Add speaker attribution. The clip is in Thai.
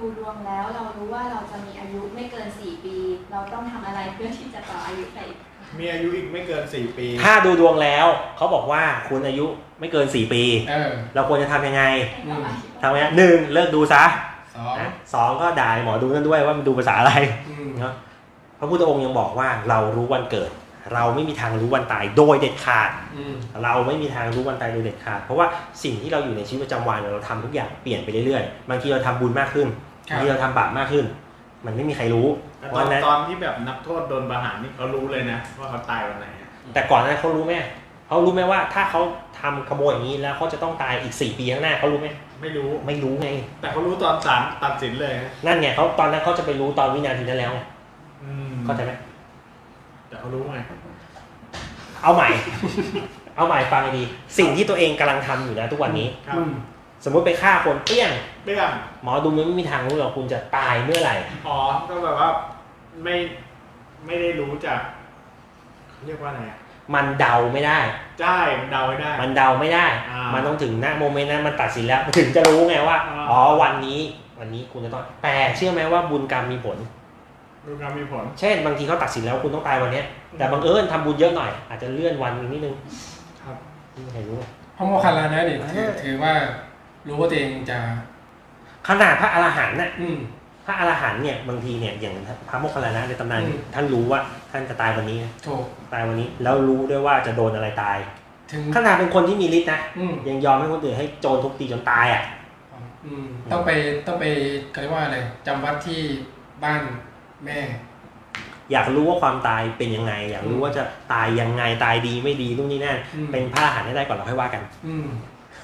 Speaker 1: ดวงแล้วเรารู้ว่าเราจะมีอายุไม่เกิน4 ปีเราต้องทำอะไรเพื่อที่จะต่ออายุไปอีก
Speaker 2: มีอายุอีกไม่เกิน4 ปี
Speaker 3: ถ้าดูดวงแล้วเขาบอกว่าคุณอายุไม่เกิน4 ปีเราควรจะทำยังไงทำยังไง1เลิกดูซะ2ก็ด่าหมอดูนั่นด้วยว่ามันดูภาษาอะไรเนาะพระพุทธองค์ยังบอกว่าเรารู้วันเกิดเราไม่มีทางรู้วันตายโดยเด็ดขาดเราไม่มีทางรู้วันตายโดยเด็ดขาดเพราะว่าสิ่งที่เราอยู่ในชีวิตประจำวันเราทำทุกอย่างเปลี่ยนไปเรื่อยๆบางทีเราทำบุญมากขึ้นบางทีเราทำบาปมากขึ้นมันไม่มีใครรู้
Speaker 2: ตอนที่แบบนักโทษโดนประหารนี่เขารู้เลยนะว่าเขาตายวันไหน
Speaker 3: แต่ก่อนนั้นเขารู้ไหมว่าถ้าเขาทำขโมยอย่างนี้แล้วเขาจะต้องตายอีก4 ปีข้างหน้าเขารู้ไหมไม่รู้ไง
Speaker 2: แต่เขารู้ตอนศาลตัดสินเลย
Speaker 3: นั่นไงเขาตอนนั้นเขาจะไปรู้ตอนวินาทีนั้นแล้วเข้าใจไหม
Speaker 2: แต่เขารู้ไง
Speaker 3: เอาใหม่ฟังดีสิ่งที่ตัวเองกำลังทำอยู่นะทุกวันนี้สมมติไปฆ่าคนเปี้ยงหมอดูไม่มีทางรู้หรอกคุณจะตายเมื่อไหร่
Speaker 2: ก็แบบว่าไม่ได้รู้จากเรียกว่าอะไร
Speaker 3: มันเดาไม่ได้
Speaker 2: ใช่มันเดาไม่ได้
Speaker 3: มันต้องถึงณโมเมนต์นั้นมันตัดสินแล้วถึงจะรู้ไงว่าวันนี้คุณจะต้องแต่เชื่อไหมว่าบุญกรรมมีผลเช่นบางทีเขาตัดสินแล้วคุณต้องตายวันนี้แต่บังเอิญทำบุญเยอะหน่อยอาจจะเลื่อนวันนิดนึง
Speaker 2: ครับ
Speaker 3: ไม่ใครรู้
Speaker 4: พระโมคคัลลานะเนี่ยถือว่ารู้ว่าตัวเองจะ
Speaker 3: ขนาดพระอรหันต์น่ะพระอรหันต์เนี่ยบางทีเนี่ยอย่างพระโมคคัลลานะในตำนานท่านรู้ว่าท่านจะตายวันนี้ตายวันนี้แล้วรู้ด้วยว่าจะโดนอะไรตายขนาดเป็นคนที่มีฤทธิ์นะยังยอมให้คนอื่นให้โจรทุบตีจนตายอ่ะ
Speaker 4: ต้องไปเรียกว่าอะไรจำวัดที่บ้านแม่
Speaker 3: อยากรู้ว่าความตายเป็นยังไงอยากรู้ว่าจะตายยังไงตายดีไม่ดีนู่นนี่นั่นเป็นพระอรหันต์ให้ได้ก่อนเราค่อยว่ากัน